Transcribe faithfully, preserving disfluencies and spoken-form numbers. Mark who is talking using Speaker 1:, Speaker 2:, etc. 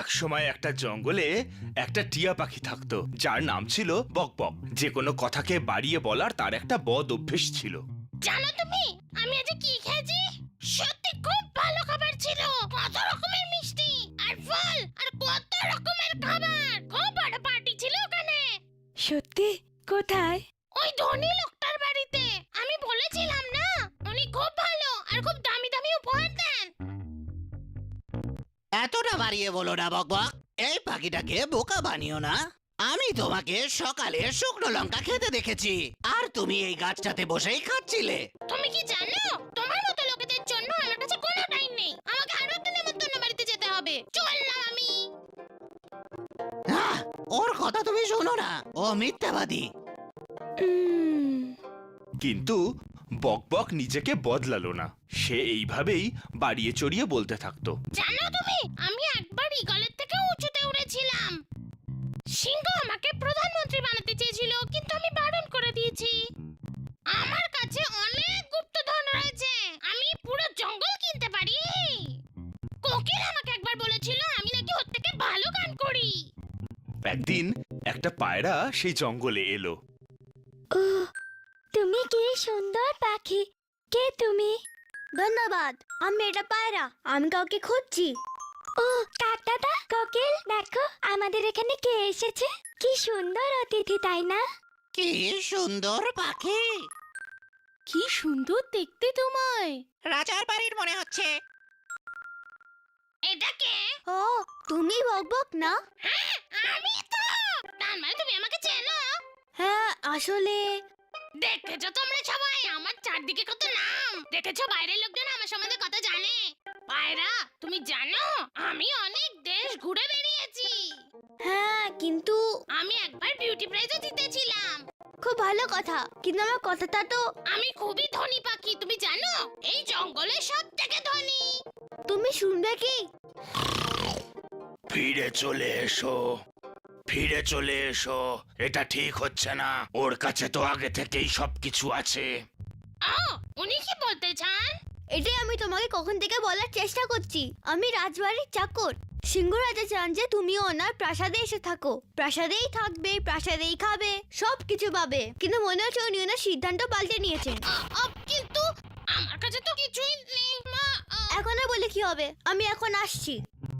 Speaker 1: এক সময় একটা জঙ্গলে একটা টিয়া পাখি থাকতো, যার নাম ছিল বকবক। যে কোনো কথাকে বাড়িয়ে বলার তার একটা বদ অভ্যেস ছিল।
Speaker 2: জানো তুমি আমি আজ কি খেয়েছি? সত্যি খুব ভালো খাবার ছিল। কত রকমের মিষ্টি আর ফল আর কত রকমের খাবার। খুব বড় পার্টি ছিল ওখানে।
Speaker 3: সত্যি? কোথায়?
Speaker 2: ওই ধনী লোকটার বাড়িতে। আমি বলেছিলাম না, উনি খুব ভালো আর খুব দামি দামি উপহার দেন।
Speaker 4: এতটা বাড়িয়ে বলো না বকবক। এই পাখিটাকে বোকা বানিও না। আমি তোমাকে সকালে শুকনো লঙ্কা খেতে দেখেছি, আর তুমি এই গাছটাতে বসেই খাচ্ছিলে।
Speaker 2: তুমি কি জানো, তোমার মতো লোকেদের জন্য আমার কাছে কোনো টাইম নেই। আমাকে আরো একটা নেমন্তন্ন বাড়িতে যেতে হবে। চললাম আমি।
Speaker 4: আহ, ওর কথা তুমি শোনো না, ও মিথ্যাবাদী।
Speaker 3: উম,
Speaker 1: কিন্তু বকবক নিজেকে বদলালো না। সে এইভাবেই বাড়িয়ে চড়িয়ে বলতে থাকতো।
Speaker 2: জানো তুমি, আমি একবার ঈগলের থেকে উঁচুতে উড়েছিলাম। সিংহ আমাকে প্রধানমন্ত্রী বানাতে চেয়েছিল, কিন্তু আমি বারণ করে দিয়েছি। আমার কাছে অনেক গুপ্তধন রয়েছে, আমি পুরো জঙ্গল কিনতে পারি। কোকিল আমাকে একবার বলেছিল আমি নাকি ওর থেকে ভালো গান করি।
Speaker 1: একদিন একটা পায়রা সেই জঙ্গলে এলো।
Speaker 3: ও, তুমি কি সুন্দর পাখি। কে তুমি? ধন্যবাদ, আমি এটা পায়রা। আমি কাউকে খুঁজছি। ও কাক দাদা, কোকিল, দেখো আমাদের এখানে কে এসেছে। কি সুন্দর অতিথি, তাই না?
Speaker 4: কি সুন্দর পাখি।
Speaker 2: কি সুন্দর দেখতে তোমায়।
Speaker 4: রাজার বাড়ির মনে হচ্ছে।
Speaker 2: এটা কে?
Speaker 3: ও, তুমি বকবক না?
Speaker 2: হ্যাঁ, আমি তো। তার মানে তুমি আমাকে চেনো?
Speaker 3: হ্যাঁ, আসলে
Speaker 2: দেখেছো তোমরা সবাই আমার চারদিকে কত নাম। দেখেছো বাইরের লোকজন আমার সম্বন্ধে কত জানে। পায়রা, তুমি জানো আমি অনেক দেশ ঘুরে বেরিয়েছি।
Speaker 3: হ্যাঁ, কিন্তু
Speaker 2: আমি একবার বিউটি প্রাইজও জিতেছিলাম।
Speaker 3: খুব ভালো কথা, কিন্তু আমার কথাটা তো।
Speaker 2: আমি খুবই ধনী পাখি, তুমি জানো এই জঙ্গলে সব থেকে ধনী।
Speaker 3: তুমি শুনবে কি?
Speaker 1: ফিরে চলে এসো, ফিরে চলে এসো। এটা ঠিক হচ্ছে না। ওর কাছে তো আগে থেকেই সবকিছু আছে।
Speaker 2: ও, উনি কি বলতে চান?
Speaker 3: এটাই আমি তোমাকে কখন থেকে বলার চেষ্টা করছি। আমি রাজবাড়ির চাকর। সিংহ রাজা চান যে তুমিও ওনার প্রাসাদে এসে থাকো। প্রাসাদেই থাকবে, প্রাসাদেই খাবে, সব কিছু পাবে। কিন্তু মনে হচ্ছে উনি ওনার সিদ্ধান্ত পাল্টে নিয়েছেন।
Speaker 2: আ, আ, কিন্তু আমার কাছে তো কিছুই নেই মা। আ,
Speaker 3: এখন আর বলে কি হবে, আমি এখন আসছি।